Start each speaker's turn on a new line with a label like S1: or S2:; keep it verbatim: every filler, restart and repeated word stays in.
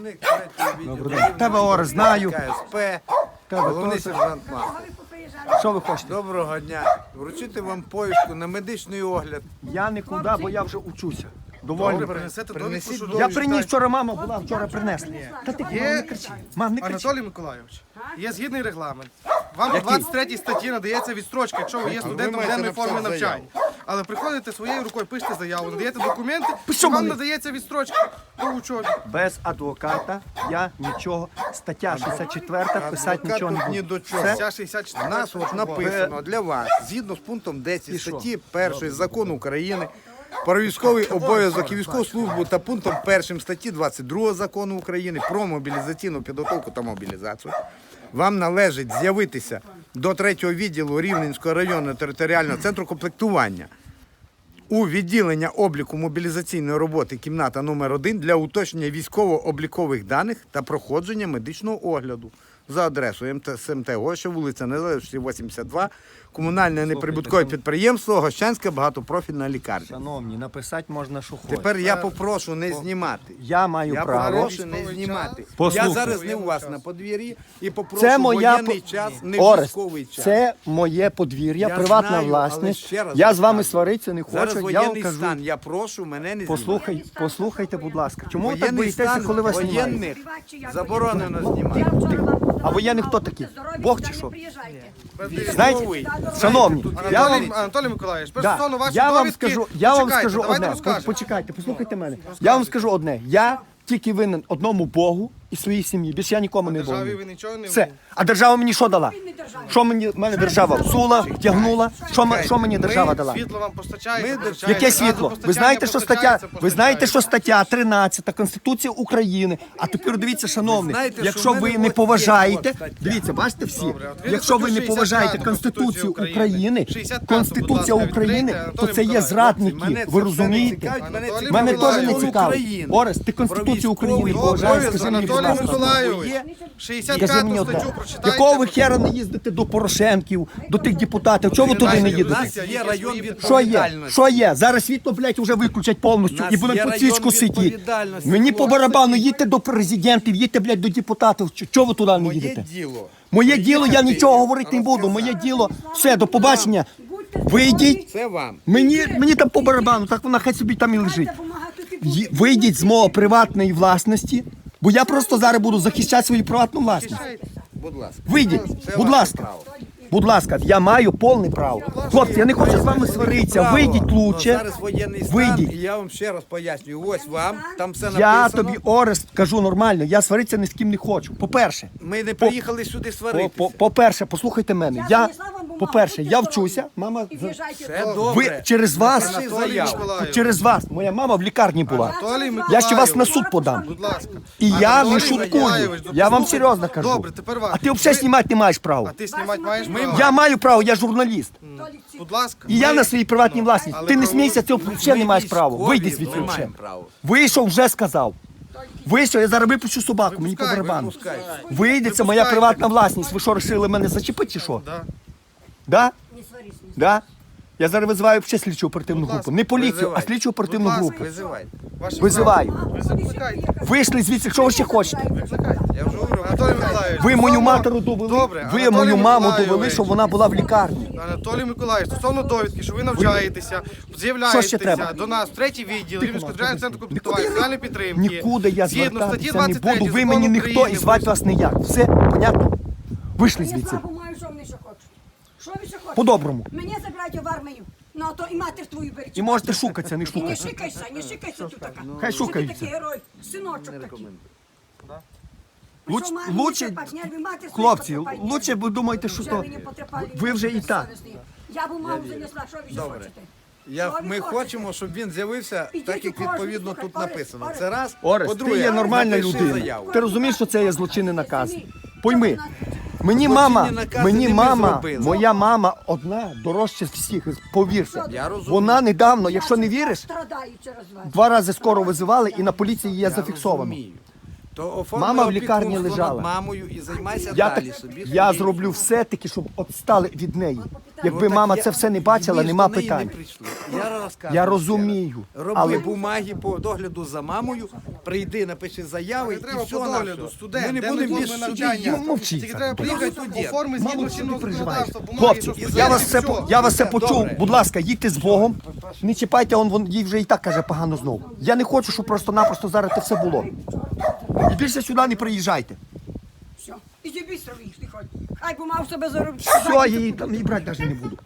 S1: Захисник третього відділу.
S2: Тебе Орест знаю.
S1: КСП,
S2: Тебе
S1: головний
S2: теж.
S1: сержант Махов.
S2: Що ви хочете?
S1: Доброго дня. Вручити вам повістку на медичний огляд.
S2: Я нікуди, бо я вже учуся. Доволі.
S1: Добре,
S3: Принесете
S1: принесіть
S3: довідку, що
S1: довідку.
S2: Я приніс вчора, мама була, вчора принесла. Та ти
S3: Є-
S2: мам, не кричи. Мам, не кричи.
S3: Анатолій Миколайович, є згідний регламент. Вам у двадцять третій статті надається відстрочка, якщо ви є студентом
S1: маєте
S3: денної форми
S1: написати
S3: навчання. Але приходите своєю рукою, пишете заяву, надаєте документи,
S2: Що
S3: і вам
S2: мені?
S3: надається відстрочка по учобі.
S2: Без адвоката я нічого. Стаття шістдесят четверту писати
S1: Адвокат
S2: нічого не
S1: тут ні
S2: буду.
S1: до чого.
S2: Все?
S3: Ця шістдесят
S1: У
S3: чотири.
S1: нас от написано для вас, згідно з пунктом десять статті першої закону України про військовий обов'язок і військову службу та пунктом першим статті двадцять другого закону України про мобілізаційну підготовку та мобілізацію, вам належить з'явитися до третього відділу Рівненського районного територіального центру комплектування у відділення обліку мобілізаційної роботи кімната номер один для уточнення військово-облікових даних та проходження медичного огляду за адресою СМТ Гоща, вулиця Незалежності, вісімдесят два, комунальне неприбуткове підприємство, Гощанська багатопрофільна лікарня.
S2: Шановні, написати можна, що хочеш.
S1: Тепер я попрошу не знімати.
S2: Я маю
S1: Я
S2: право.
S1: попрошу не знімати.
S2: Послухай.
S1: Я зараз не у вас на подвір'ї і попрошу
S2: Це моя
S1: воєнний
S2: по-
S1: час, не
S2: Орест,
S1: військовий час.
S2: це моє подвір'я,
S1: Я
S2: приватна
S1: знаю, але
S2: власність.
S1: ще раз
S2: Я з вами
S1: розказую.
S2: сваритися не
S1: Зараз
S2: хочу. Я вам
S1: воєнний
S2: кажу.
S1: стан, я прошу мене не знімати.
S2: Послухай, послухайте, будь ласка. Чому ви так
S1: Воєнний
S2: боїтеся,
S1: стан
S2: коли вас знімають?
S1: воєнних заборонено знімати.
S2: А воєнний хто такий? Бог чи що?
S1: Військовий.
S2: Знаєте, шановні, я вам
S3: Анатолій, Анатолій Миколайович,
S2: Да.
S3: стосовно вашої
S2: Я вам
S3: довідки,
S2: скажу, я вам
S3: почекайте,
S2: скажу
S3: давайте
S2: одне.
S3: розкажемо.
S2: Почекайте, послухайте мене. Я вам скажу одне. Я тільки винен одному Богу і своїй сім'ї. Більше я нікому не
S3: Державі
S2: винен.
S3: ви нічого не
S2: Все.
S3: винні.
S2: А держава мені що дала? Що мені мене держава всула, втягнула? Що, м- що мені держава дала?
S3: Світло вам постачається,
S1: Ми-
S3: постачається,
S2: Яке світло? Ви
S3: газопостачання
S2: знаєте, що стаття,
S3: постачається,
S2: ви знаєте, що
S3: постачається.
S2: стаття тринадцята Конституції України. А тепер дивіться, шановні,
S1: знаєте, що
S2: якщо
S1: в мене
S2: ви не
S1: от
S2: поважаєте,
S1: є стаття.
S2: дивіться, бачите всі,
S3: Добре, от
S2: якщо ви не
S3: шістдесят
S2: поважаєте
S3: п'яту
S2: Конституцію
S3: Конституцію
S2: України,
S3: шістдесят п'яту,
S2: Конституція
S3: будь ласка,
S2: України,
S3: відкрийте,
S2: то це
S3: Анатолій
S2: є
S3: Миколайович.
S2: зрадники.
S1: Мене це
S2: Ви
S1: все не
S2: розумієте?
S1: цікавить, мене
S3: Анатолій
S1: цікавить
S2: Мене теж не
S3: Миколайович.
S2: цікаво.
S1: України.
S2: Орест, ти Конституцію
S1: Про
S2: України
S1: військовий
S2: поважаєш,
S1: обов'язок,
S2: скажи мені, будь
S3: Анатолій
S2: ласка.
S3: Миколайович,
S1: Є?
S3: шістдесят
S2: Скажи
S3: п'яту
S2: мені одне,
S3: статтю прочитайте.
S2: якого ви хера не їздите до Порошенків, до тих депутатів? Чого ви туди не
S1: У
S2: їдете?
S1: нас є район
S2: Що є?
S1: відповідальності.
S2: Що є? Зараз світло, блядь, вже виключать повністю
S1: Нас
S2: і будемо
S1: є
S2: по
S1: район
S2: цічку сидіти.
S1: відповідальності,
S2: Мені по
S1: хлопці.
S2: барабану, їдьте до президентів, їдьте, блядь, до депутатів. Чо- Чого ви туди не
S1: Моє
S2: їдете?
S1: діло.
S2: Моє діло, я нічого говорити не буду. Моє діло, все, до побачення. Вийдіть.
S1: Це вам.
S2: Мені, мені там по барабану, так вона хай собі там і лежить. Ї- Вийдіть з мого приватної власності, бо я просто зараз буду захищати свою приватну власність.
S1: Будь ласка.
S2: Вийдіть,
S1: Це
S2: будь
S1: ваше
S2: ласка.
S1: право.
S2: Будь ласка, я маю повне право. Хлопці, я не хочу з вами сваритися.
S1: Право.
S2: Вийдіть
S1: Ну,
S2: лучше.
S1: Зараз воєнний стан,
S2: Вийдіть.
S1: і я вам ще раз пояснюю. Ось вам, там все
S2: Я
S1: написано.
S2: тобі, Орест, кажу нормально, я сваритися ні з ким не хочу. По-перше,
S1: Ми не приїхали сюди
S2: по-
S1: сваритися.
S2: по- по-перше, послухайте мене. Я, по-перше, я вчуся, мама.
S1: Все
S2: Ви
S1: добре.
S2: через вас,
S1: Напиши
S3: Анатолій
S1: заяву.
S3: Миколайович.
S2: через вас, моя мама в лікарні була.
S3: Анатолій
S2: Я ще вас на
S3: Миколайович.
S2: суд подам.
S3: Будь ласка.
S2: І я
S3: Анатолій
S2: не шуткую.
S3: Миколайович,
S2: Я вам
S3: послухайте.
S2: серйозно кажу.
S3: Добре, тепер вас.
S2: А ти взагалі
S3: Ви-
S2: знімати не маєш права.
S3: А ти знімати маєш право?
S2: Я маю право, я журналіст.
S3: Будь ласка.
S2: І я
S3: Ви-
S2: на своїй приватній власності.
S3: але
S2: Ти не
S3: право-
S2: смійся, ти взагалі не маєш права.
S1: Військові,
S2: Вийди
S1: ми
S2: звідси
S1: маємо
S2: взагалі.
S1: право.
S2: Вийшов, вже сказав. Вийшов, я зараз випущу собаку, мені по
S3: Випускай,
S2: барабану.
S1: Випускай.
S2: Вийде, це моя
S3: Випускайте.
S2: приватна власність. Ви що, вирішили мене зачепити чи що?
S3: Да.
S2: Да? Да? Я зараз визиваю ще слідчу оперативну
S3: Будь
S2: групу.
S3: ласка,
S2: Не поліцію, а
S1: визивай.
S2: слідчу оперативну
S3: Будь ласка,
S2: групу.
S1: Визивайте.
S3: Ваше
S2: Визиваю.
S3: право. Ви закликайте.
S2: Вийшли звідси, що ви ще хочете?
S3: Викликайте.
S1: Я вже говорю.
S3: Анатолій Миколайович.
S2: Ви мою
S3: стосовно-
S2: матеру довели,
S3: Добре,
S2: ви
S3: Анатолій
S2: мою маму
S3: Миколайович.
S2: довели, що вона була в лікарні.
S3: Анатолій Миколаївич, стосовно довідки, що ви навчаєтеся,
S2: Що ще треба?
S3: з'являєтеся до нас в третій відділ Рівненського державного центру комплектування соціальної підтримки.
S2: Нікуди я
S3: Згідно статті
S2: звертатися не
S3: двадцять три
S2: буду, ви
S3: Закону
S2: мені ніхто і
S3: України
S2: звати вас ніяк. Все, понятно? Вийшли звідси.
S4: Маю, що вони ще хочуть. Що ви ще хочете?
S2: По-доброму.
S4: Мене забрати в армію. Ну, а то і матір твою беріть.
S2: І можете шукатися, не
S4: І не
S2: шукатися.
S4: шикайся, не шикайся тут така.
S2: Хай
S4: Що ти
S2: шукаються.
S4: такий герой, синочок такий.
S2: Луч,
S4: Що, мамі
S2: лучше,
S4: не потрапать, нерви матері свої
S2: хлопці,
S4: потрапать,
S2: лучше ви думаєте, що
S4: Вже
S2: то
S4: ви не потрапали,
S2: ви вже і так.
S4: безсовісні. Я б маму занесла, що ви ще
S1: Добре.
S4: хочете?
S1: Я,
S4: Що ви
S1: ми
S4: хочете?
S1: хочемо, щоб він з'явився
S4: Ідіть
S1: так, як
S4: у кожну,
S1: відповідно
S4: слухай,
S1: тут
S4: Орест,
S1: написано.
S4: Орест.
S1: Це раз.
S2: Орес, ти
S1: По-друге,
S2: є нормальна
S1: напиши
S2: людина.
S1: заяву.
S2: Ти розумієш, що це є злочинний наказ? Пойми, мені
S1: Злочинні
S2: мама,
S1: накази
S2: мені
S1: не ми
S2: мама,
S1: зробили.
S2: моя мама одна дорожча з всіх, повірся.
S1: Я розумію.
S2: Вона недавно, якщо не віриш,
S4: Страдаю через вас.
S2: два рази скоро визивали і на поліції є зафіксовано.
S1: Розумію. То оформи
S2: Мама в лікарні
S1: опікунство
S2: лежала.
S1: над мамою і займайся
S2: Я,
S1: далі
S2: так,
S1: собі.
S2: я
S1: собі.
S2: зроблю все таки, щоб відстали від неї. Якби
S1: Ну, так
S2: мама
S1: я-
S2: це все не бачила,
S1: ми ж
S2: нема
S1: до неї
S2: питань.
S1: Не прийшли. Я розказую
S2: Я
S1: ще
S2: розумію,
S1: раз. Роби
S2: але-
S1: бумаги по догляду за мамою, прийди, напиши заяви
S3: Не
S1: і
S3: треба
S1: все
S3: по
S1: на
S3: догляду,
S1: все.
S3: студент,
S1: Ми не
S3: де
S1: будемо
S3: ми
S1: без
S3: форми
S1: судді.
S3: навчання.
S2: Ну, мовчіть
S3: Тільки
S2: так.
S3: треба приїхати
S1: Студент.
S3: по формі згідно
S2: Мало що
S3: чинного
S2: ви переживаєте.
S3: законодавства. бумаги,
S2: Хлопці,
S3: що
S2: я
S3: стоять,
S2: вас
S3: і
S2: все,
S3: все.
S2: по- я вас все
S1: Добре.
S2: почув. Будь ласка, їдьте з Богом. Не чіпайте, он, вон, їй вже і так каже погано знову. Я не хочу, щоб просто-напросто зараз це все було. І більше сюди не приїжджайте.
S4: Все. Іди бістро їх, не ходь. Хай би мав себе заробити.
S2: Все, я її там і брати навіть не буду.